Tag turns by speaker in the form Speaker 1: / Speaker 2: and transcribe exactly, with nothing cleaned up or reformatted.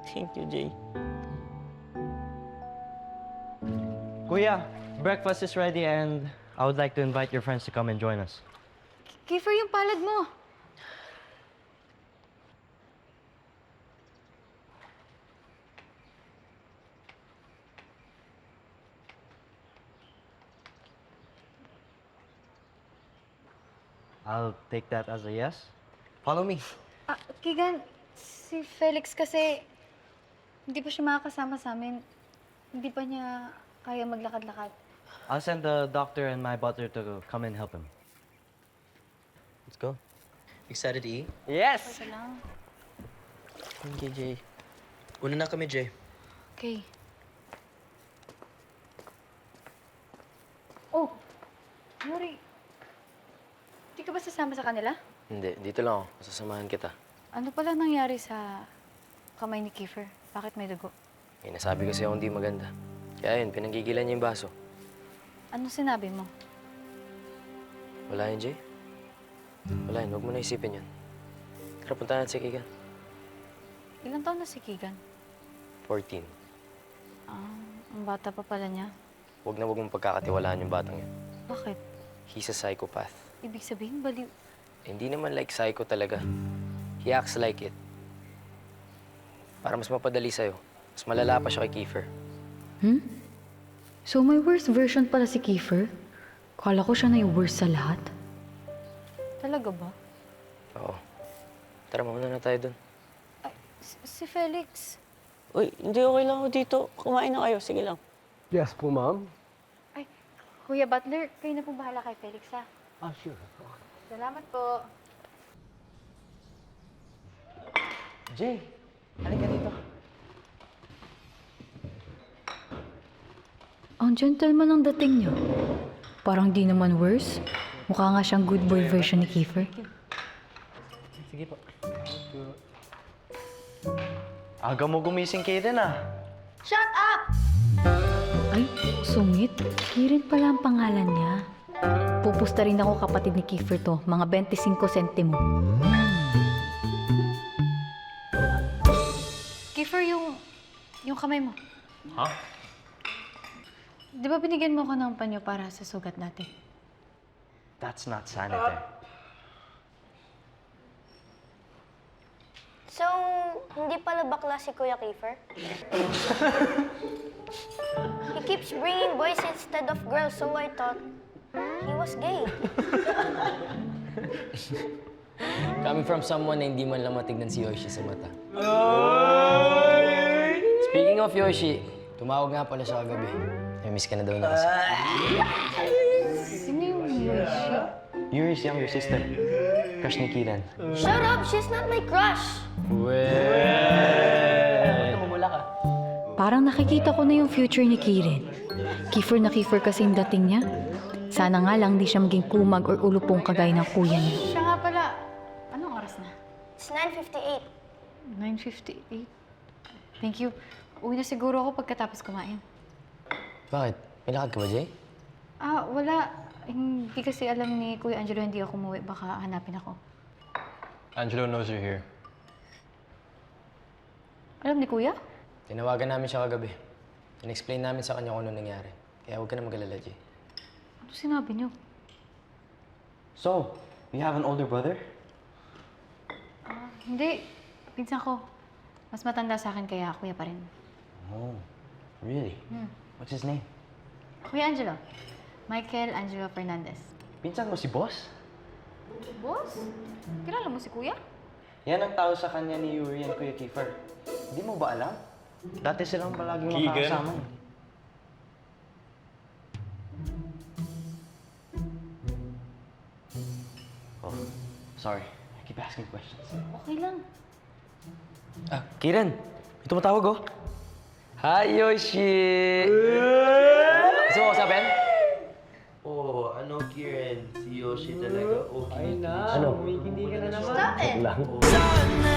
Speaker 1: Thank you, Jay.
Speaker 2: Kuya, breakfast is ready and I would like to invite your friends to come and join us.
Speaker 3: Kiefer, yung palad mo.
Speaker 2: I'll take that as a yes. Follow me.
Speaker 3: Ah, Keegan, si Felix kasi hindi pa siya makakasama sa amin. Hindi pa niya kaya maglakad-lakad.
Speaker 2: I'll send the doctor and my butler to come and help him.
Speaker 1: Let's go.
Speaker 4: Excited to eat?
Speaker 2: Yes!
Speaker 3: Ito lang.
Speaker 1: Thank you, Jay.
Speaker 4: Una na kami, Jay.
Speaker 3: Okay. Oh, Yuri. Di ka ba sasama sa kanila?
Speaker 4: Hindi, dito lang ako. Masasamahan kita.
Speaker 3: Ano pala nangyari sa kamay ni Kiefer? Bakit may dugo?
Speaker 4: Eh, nasabi kasi ako hindi maganda. Kaya yun, pinanggigilan niya yung baso.
Speaker 3: Ano sinabi mo?
Speaker 4: Wala yun, Jay. Wala yun, huwag mo na isipin yun. Tara, punta natin si Keegan.
Speaker 3: Ilang taon na si Keegan?
Speaker 4: fourteen.
Speaker 3: Ah, ang bata pa pala niya.
Speaker 4: Huwag na huwag mong pagkakatiwalaan yung batang yun.
Speaker 3: Bakit?
Speaker 4: He's a psychopath.
Speaker 3: Ibig sabihin, baliw.
Speaker 4: Eh, hindi naman like psycho talaga. He acts like it. Para mas mapadali sa'yo, mas malala pa siya kay Kiefer.
Speaker 5: Hmm? So may worst version pala si Kiefer? Kala ko siya na yung worst sa lahat.
Speaker 3: Talaga ba?
Speaker 4: Oo. Tara, mauna na tayo dun.
Speaker 3: Ay, si, si Felix.
Speaker 1: Uy, hindi okay lang ako dito. Kumain na kayo. Sige lang.
Speaker 6: Yes po, ma'am.
Speaker 3: Ay, Kuya Butler, kayo na po bahala kay Felix, ha?
Speaker 6: Ah, sure.
Speaker 3: Salamat po.
Speaker 2: Jay, halika dito.
Speaker 5: Ang gentleman ang dating niyo. Parang di naman worse. Mukha nga siyang good boy version ni Kiefer.
Speaker 2: Sige po. Aga mo gumising kayo din ah.
Speaker 3: Shut up!
Speaker 5: Ay, sungit. Kirin pala ang pangalan niya. Pupusta rin ako kapatid ni Kiefer to. Mga twenty-five sentimo.
Speaker 3: Kiefer, yung... yung kamay mo.
Speaker 2: Ha?
Speaker 3: Di ba binigyan mo ko ng panyo para sa sugat natin?
Speaker 2: That's not sanitary.
Speaker 7: So, hindi pala bakla si Kuya Kiefer? He keeps bringing boys instead of girls, so I thought he was gay.
Speaker 4: Coming from someone na hindi man lang matignan si Yoshi sa mata. Speaking of Yoshi, tumawag nga pala siya kagabi. May miss ka na daw na kasi.
Speaker 3: Sino yung Yoshi?
Speaker 2: Yuri's younger sister. Crush ni Kiran.
Speaker 7: Shut up! She's not my crush!
Speaker 5: Parang nakikita ko na yung future ni Kirin. Kiefer na Kiefer kasi yung dating niya. Sana nga lang di siya maging kumag or ulupong kagaya ng kuya niya.
Speaker 3: Siya nga pala. Anong oras na?
Speaker 7: It's nine fifty-eight.
Speaker 3: nine fifty-eight. Thank you. Uwi na siguro ako pagkatapos kumain.
Speaker 4: Bakit? May lakad ka ba, Jay?
Speaker 3: Ah, wala. Hindi kasi alam ni Kuya Angelo hindi ako umuwi. Baka hanapin ako.
Speaker 6: Angelo knows you're here.
Speaker 3: Alam ni Kuya?
Speaker 4: Tinawagan namin siya kagabi. In-explain namin sa kanya kung ano nangyari. Kaya huwag ka na mag-alala, Jay.
Speaker 3: Ano sinabi niyo?
Speaker 2: So, you have an older brother?
Speaker 3: Ah, hindi. Pinsan ko. Mas matanda sa akin kaya kuya pa rin.
Speaker 2: Oh, really?
Speaker 3: Hmm.
Speaker 2: What's his name?
Speaker 3: Kuya Angelo. Michael Angelo Fernandez.
Speaker 2: Pinsan mo si boss?
Speaker 3: Boss? Kilala mo si Kuya?
Speaker 2: Yan ang tao sa kanya ni Yuri and Kuya Kiefer. Hindi mo ba alam? Dati silang palaging
Speaker 6: Keegan?
Speaker 2: makakasama. eh. Oh, sorry. I keep asking questions.
Speaker 3: Okay lang.
Speaker 4: Ah, Kiran! May tumatawag, oh. Hi, Yoshi! Gusto mo kausapin?
Speaker 8: Oh, ano, Kieran? Si Yoshi talaga okay.
Speaker 6: Ay na,
Speaker 4: Ano?
Speaker 6: hindi ka na naman.
Speaker 7: Stop it!
Speaker 4: Lang.
Speaker 8: Oh.